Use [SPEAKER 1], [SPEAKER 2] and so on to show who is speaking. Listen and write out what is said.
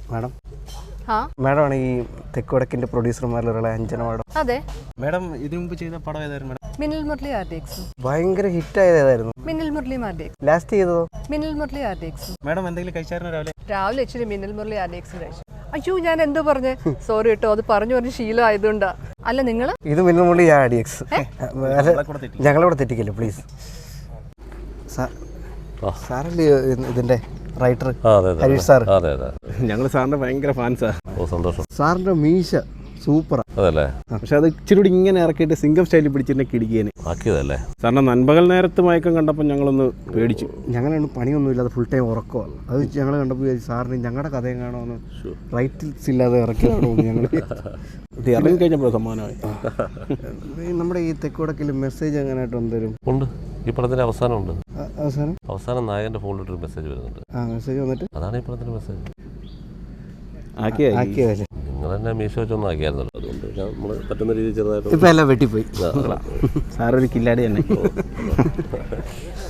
[SPEAKER 1] Madam മാഡമാണ് ഈ തെക്കുവടക്കിന്റെ പ്രൊഡ്യൂസർമാരിലുള്ള അഞ്ജന മാഡം.
[SPEAKER 2] അതെ.
[SPEAKER 1] മാഡം ഇതിനു മുമ്പ് ചെയ്ത പടം ഏതായിരുന്നു മാഡം?
[SPEAKER 2] മിന്നൽ മുരളി RDX.
[SPEAKER 1] ഭയങ്കര ഹിറ്റായത് ഏതായിരുന്നു?
[SPEAKER 2] മിന്നൽ മുരളി RDX.
[SPEAKER 1] ലാസ്റ്റ് ചെയ്തതോ?
[SPEAKER 2] മിന്നൽ മുരളി RDX.
[SPEAKER 1] മാഡം എന്തെങ്കിലും കഴിച്ചായിരുന്നു രാവിലെ?
[SPEAKER 2] രാവിലെ ഇച്ചിരി മിന്നൽ മുരളി RDX കഴിച്ചു. അയ്യോ ഞാൻ എന്തോ പറഞ്ഞേ, സോറി കേട്ടോ, അത് പറഞ്ഞു ശീലം ആയതുകൊണ്ടാ. അല്ല നിങ്ങൾ
[SPEAKER 1] ഇത് മിന്നൽ മുരളി RDX. ഞങ്ങളിവിടെ തെറ്റിക്കില്ല പ്ലീസ്. സാറല്ലേ ഇതിന്റെ റൈറ്റർ ഹരീഷ് സാർ?
[SPEAKER 3] ഞങ്ങൾ സാറിന്റെ ഭയങ്കര ഫാൻസാ.
[SPEAKER 1] സന്തോഷം. സാറിന്റെ മീശ സൂപ്പറാ.
[SPEAKER 3] അതല്ലേ?
[SPEAKER 1] പക്ഷെ അത് ഇച്ചിരി കൂടി ഇങ്ങനെ ഇറക്കിയിട്ട് സിംഗം സ്റ്റൈലിൽ പിടിച്ചിട്ട് കിടിക്കേനെ
[SPEAKER 3] ആക്കിയതല്ലേ?
[SPEAKER 1] സാറിന്റെ നൻപകൽ നേരത്ത് മയക്കം കണ്ടപ്പോൾ ഞങ്ങളൊന്ന് പേടിച്ചു. ഞങ്ങളാണ് പണിയൊന്നുമില്ലാതെ ഫുൾ ടൈം ഉറക്കമാണ്. അത് ഞങ്ങൾ കണ്ടപ്പോൾ സാറിന് ഞങ്ങളുടെ കഥയും കാണുമെന്ന് റൈറ്റിൽസ് ഇല്ലാതെ ഇറക്കിയതാണോ ഞങ്ങൾ ഇറങ്ങി കഴിഞ്ഞപ്പോൾ സമ്മാനമായി. നമ്മുടെ ഈ തെക്കുവടക്കിൽ മെസ്സേജ് എങ്ങനെയായിട്ട് എന്തേലും
[SPEAKER 3] ഉണ്ട്. ഈ പടത്തിന്റെ അവസാനമുണ്ട്.
[SPEAKER 1] അവസാനം
[SPEAKER 3] നായകന്റെ ഫോണിലിട്ടൊരു മെസ്സേജ് വരുന്നുണ്ട്.
[SPEAKER 1] മെസ്സേജ് വന്നിട്ട്
[SPEAKER 3] അതാണ് ഈ പടത്തിന്റെ മെസ്സേജ്.
[SPEAKER 1] ആക്കിയതല്ലേ?
[SPEAKER 3] നിങ്ങൾ തന്നെ മീശ വെച്ചൊന്നും ആക്കിയായിരുന്നല്ലോ, അതുകൊണ്ട് നമ്മൾ പറ്റുന്ന രീതിയിൽ ചെറുതായിട്ട്
[SPEAKER 1] ഇപ്പം എല്ലാം വെട്ടിപ്പോയി. സാറൊരു കില്ലാടി തന്നെ.